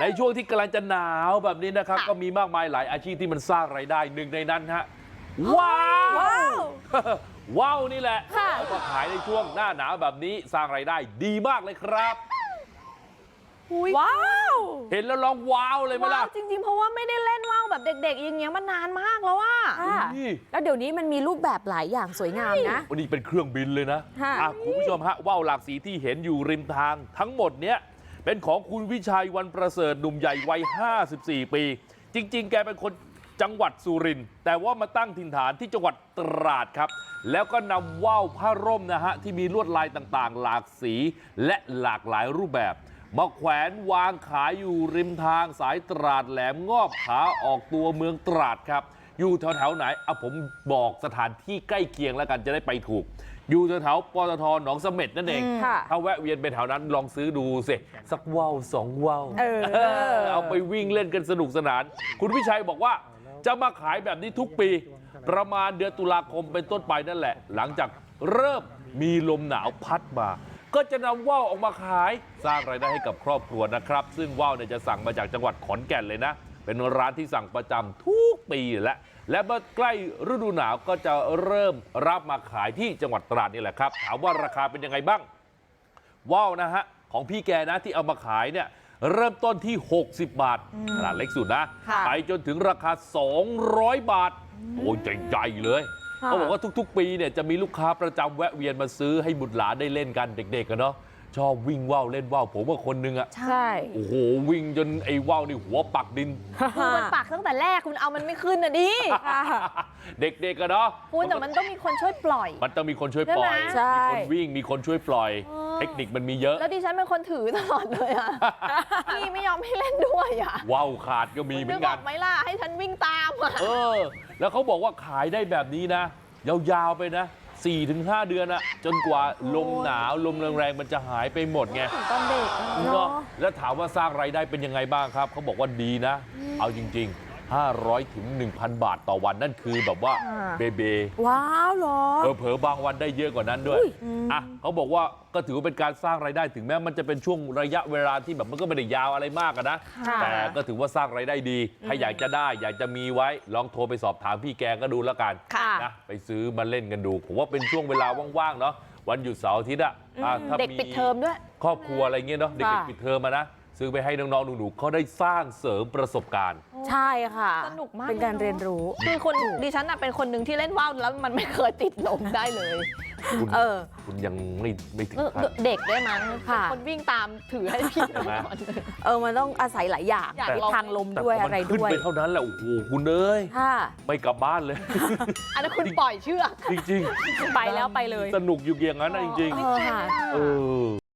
ในช่วงที่กำลังจะหนาวแบบนี้นะครับก็มีมากมายหลายอาชีพที่มันสร้างรายได้หนึ่งในนั้นฮะว้าวว้าวนี่แหละเอามาขายในช่วงหน้าหนาวแบบนี้สร้างรายได้ดีมากเลยครับว้าวเห็นแล้วร้องว้าวเลยไหมล่ะจริงๆเพราะว่าไม่ได้เล่นว่าวแบบเด็กๆอย่างเงี้ยมานานมากแล้วว่าแล้วเดี๋ยวนี้มันมีรูปแบบหลายอย่างสวยงามนะวันนี้เป็นเครื่องบินเลยนะคุณผู้ชมฮะว่าวหลากสีที่เห็นอยู่ริมทางทั้งหมดเนี้ยเป็นของคุณวิชัยวันประเสริฐหนุ่มใหญ่วัย54 ปีจริงๆแกเป็นคนจังหวัดสุรินทร์แต่ว่ามาตั้งถิ่นฐานที่จังหวัดตราดครับแล้วก็นำว่าวผ้าร่มนะฮะที่มีลวดลายต่างๆหลากสีและหลากหลายรูปแบบมาแขวนวางขายอยู่ริมทางสายตราดแหลมงอบขาออกตัวเมืองตราดครับอยู่แถวๆไหนผมบอกสถานที่ใกล้เคียงแล้วกันจะได้ไปถูกอยู่แถวๆปตท.หนองเสม็ดนั่นเองถ้าแวะเวียนไปแถวนั้นลองซื้อดูสิสักว่าว2 ว่าวเอาไปวิ่งเล่นกันสนุกสนานคุณวิชัยบอกว่าจะมาขายแบบนี้ทุกปีประมาณเดือนตุลาคมเป็นต้นไปนั่นแหละหลังจากเริ่มมีลมหนาวพัดมาก็จะนำว่าวออกมาขายสร้างรายได้ให้กับครอบครัวนะครับซึ่งว่าวเนี่ยจะสั่งมาจากจังหวัดขอนแก่นเลยนะเป็นร้านที่สั่งประจำทุกปีและเมื่อใกล้ฤดูหนาวก็จะเริ่มรับมาขายที่จังหวัดตราดนี่แหละครับถามว่าราคาเป็นยังไงบ้างว่าวนะฮะของพี่แกนะที่เอามาขายเนี่ยเริ่มต้นที่60 บาทขนาดเล็กสุดนะไปจนถึงราคา200 บาทโอ้ยใหญ่ๆเลยเขาบอกว่าทุกๆปีเนี่ยจะมีลูกค้าประจำแวะเวียนมาซื้อให้บุตรหลานได้เล่นกันเด็กๆกันเนาะชอบวิ่งว่าวเล่นว่าวผมว่าคนนึงอ่ะใช่โอ้โหวิ่งจนไอ้ว่าวนี่หัวปักดินคือมันปักตั้งแต่แรกคุณเอามันไม่ขึ้นนะดิเด็กๆกันเนาะคุณแต่มันต้องมีคนช่วยปล่อยมันต้องมีคนช่วยปล่อยมีคนวิ่งมีคนช่วยปล่อยเทคนิคมันมีเยอะแล้วดิฉันเป็นคนถือตลอดเลยอ่ะพี่ไม่ยอมให้เล่นด้วยอ่ะว่าวขาดก็มีเหมือนกันไหมล่ะให้ฉันวิ่งตามอ่ะแล้วเขาบอกว่าขายได้แบบนี้นะยาวๆไปนะ4-5 เดือนอะจนกว่าลมหนาวลมแรงๆมันจะหายไปหมดไงตอนเด็กเนาะแล้วถามว่าสร้างรายได้เป็นยังไงบ้างครับเขาบอกว่าดีนะเอาจริงๆ500 ถึง 1,000 บาทต่อวันนั่นคือแบบว่าเบว้าวเหรอเผลอบางวันได้เยอะกว่านั้นด้วยเขาบอกว่าก็ถือว่าเป็นการสร้างรายได้ถึงแม้มันจะเป็นช่วงระยะเวลาที่แบบมันก็ไม่ได้ยาวอะไรมากนะแต่ก็ถือว่าสร้างรายได้ดีถ้าอยากจะได้อยากจะมีไว้ลองโทรไปสอบถามพี่แกก็ดูแล้วกันนะไปซื้อมาเล่นกันดูผมว่าเป็นช่วงเวลาว่างๆเนาะวันหยุดเสาร์อาทิตย์ถ้าเด็กปิดเทอมด้วยครอบครัวอะไรเงี้ยเนาะเด็กๆปิดเทอมมานะซื้อไปให้น้องๆหนูๆเขาได้สร้างเสริมประสบการณ์ใช่ค่ะสนุกมากเป็นการเรียนรู้คือคนดิฉันเป็นคนหนึ่งที่เล่นว่าวแล้วมันไม่เคยติดลมได้เลยคุณยังไม่ถึงเด็กได้มั้งคนวิ่งตามถือให้พี่มันต้องอาศัยหลายอย่างทางลมด้วยอะไรด้วยขึ้นไปเท่านั้นแหละโอ้โหคุณเอ้ยไม่กลับบ้านเลยอันนั้นคุณปล่อยเชือกจริงๆไปแล้วไปเลยสนุกอยู่อย่างนั้นจริงๆ